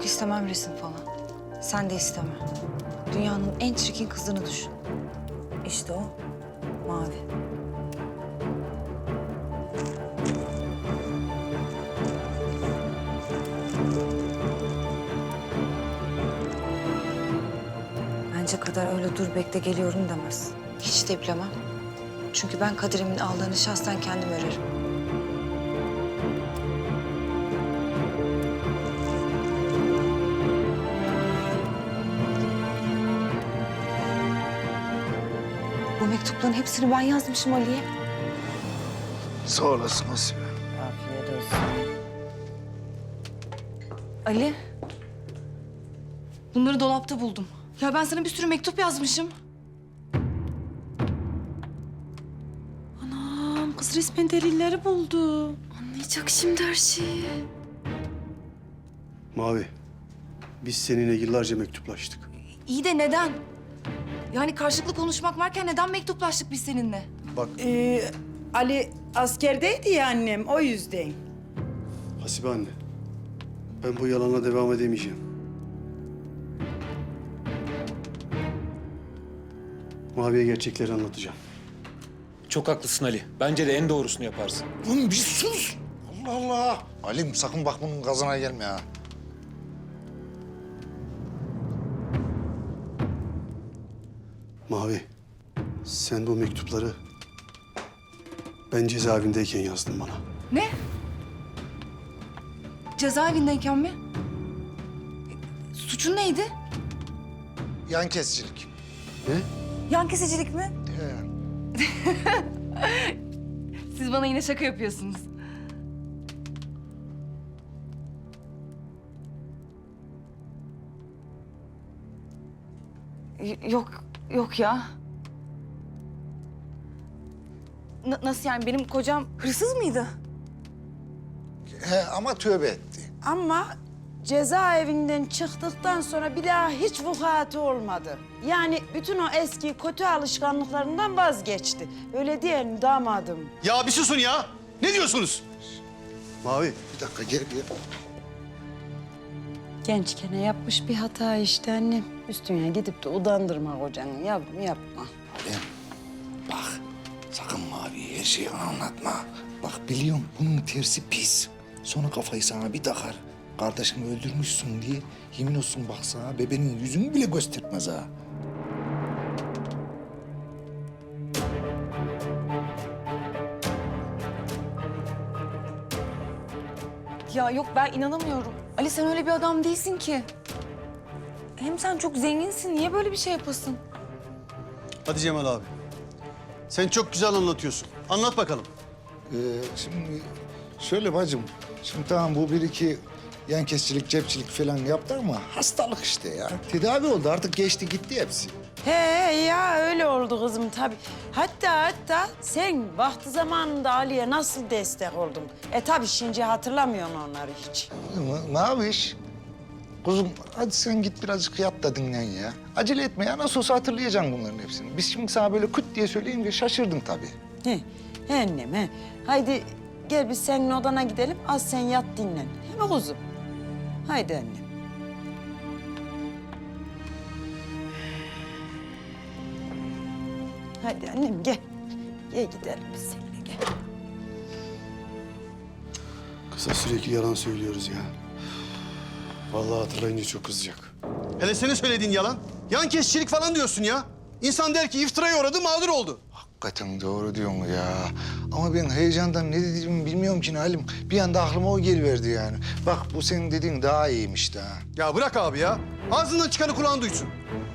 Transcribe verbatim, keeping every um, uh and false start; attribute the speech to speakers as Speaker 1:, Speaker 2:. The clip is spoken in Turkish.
Speaker 1: Yok istemem resim falan. Sen de isteme. Dünyanın en çirkin kızını düşün. İşte o Mavi. Bence Kader öyle dur bekle geliyorum demez. Hiç de bilemem. Çünkü ben Kader'imin ağlarını şahsen kendim örerim. Bu mektupların hepsini ben yazmışım Ali'ye.
Speaker 2: Sağ olasın Asibe.
Speaker 3: Afiyet olsun.
Speaker 1: Ali. Bunları dolapta buldum. Ya ben sana bir sürü mektup yazmışım.
Speaker 3: Anam kız resmen delilleri buldu. Anlayacak şimdi her şeyi.
Speaker 4: Mavi, biz seninle yıllarca mektuplaştık.
Speaker 1: İyi de neden? Yani karşılıklı konuşmak varken neden mektuplaştık biz seninle?
Speaker 4: Bak
Speaker 3: Ee, Ali askerdeydi ya annem o yüzden.
Speaker 4: Hasibe anne, ben bu yalanla devam edemeyeceğim. Mavi'ye gerçekleri anlatacağım.
Speaker 5: Çok haklısın Ali. Bence de en doğrusunu yaparsın.
Speaker 2: Oğlum bir sus. Allah Allah. Halim sakın bak bunun gazına gelme ha.
Speaker 4: Mavi, sen bu mektupları ben cezaevindeyken yazdın bana.
Speaker 1: Ne? Cezaevindeyken mi? Suçun neydi?
Speaker 2: Yan kesicilik.
Speaker 4: Ne?
Speaker 1: Yan kesicilik mi?
Speaker 2: He.
Speaker 1: Siz bana yine şaka yapıyorsunuz. Y- Yok, yok ya. N- nasıl yani? Benim kocam hırsız mıydı?
Speaker 2: He ama tövbe etti.
Speaker 3: Ama cezaevinden çıktıktan sonra bir daha hiç vukuatı olmadı. Yani bütün o eski kötü alışkanlıklarından vazgeçti. Öyle değil mi damadım?
Speaker 4: Ya bir susun ya! Ne diyorsunuz? Mavi,
Speaker 2: Bir dakika gel gel.
Speaker 3: Gençken yapmış bir hata işte annem. Üstüne gidip de udandırma kocanı yavrum yapma.
Speaker 2: Halim bak sakın Mavi'ye her şeyi anlatma. Bak biliyorum bunun tersi pis. Sonra kafayı sana bir takar. Kardeşimi öldürmüşsün diye yemin olsun bak sana bebeğin yüzünü bile göstermez ha.
Speaker 1: Ya yok ben inanamıyorum. Ali sen öyle bir adam değilsin ki. Hem sen çok zenginsin. Niye böyle bir şey yapasın?
Speaker 4: hadi Cemal abi. Sen çok güzel anlatıyorsun. Anlat bakalım.
Speaker 2: Ee, şimdi şöyle bacım. Şimdi tamam bu bir iki yan kesicilik, cepçilik falan yaptı ama hastalık işte ya. Tedavi oldu artık geçti gitti hepsi.
Speaker 3: He ya öyle oldu kızım tabii. Hatta hatta sen vakti zamanında Ali'ye nasıl destek oldun? E tabii şimdi hatırlamıyorsun onları hiç.
Speaker 2: Ne, ne yapış? Kuzum hadi sen git birazcık yat da dinlen ya. Acele etme ya nasıl olsa hatırlayacaksın bunların hepsini. Biz şimdi sana böyle küt diye söyleyince şaşırdın tabii.
Speaker 3: He, he annem he. Haydi gel biz senin odana gidelim. Az sen yat dinlen. He mi kuzum? Haydi annem. Haydi annem gel. Gel gidelim biz seninle gel.
Speaker 4: Kısa sürekli yalan söylüyoruz ya. Vallahi hatırlayınca çok kızacak. Hele senin söylediğin yalan. Yan kesicilik falan diyorsun ya. İnsan der ki iftiraya uğradı, mağdur oldu.
Speaker 2: Hakikaten doğru diyorsun ya. Ama ben heyecandan ne dediğimi bilmiyorum ki Halim. Bir anda aklıma o geliverdi yani. Bak bu senin dediğin daha iyiymiş daha.
Speaker 4: Ya bırak abi ya. Ağzından çıkanı kulağın duysun.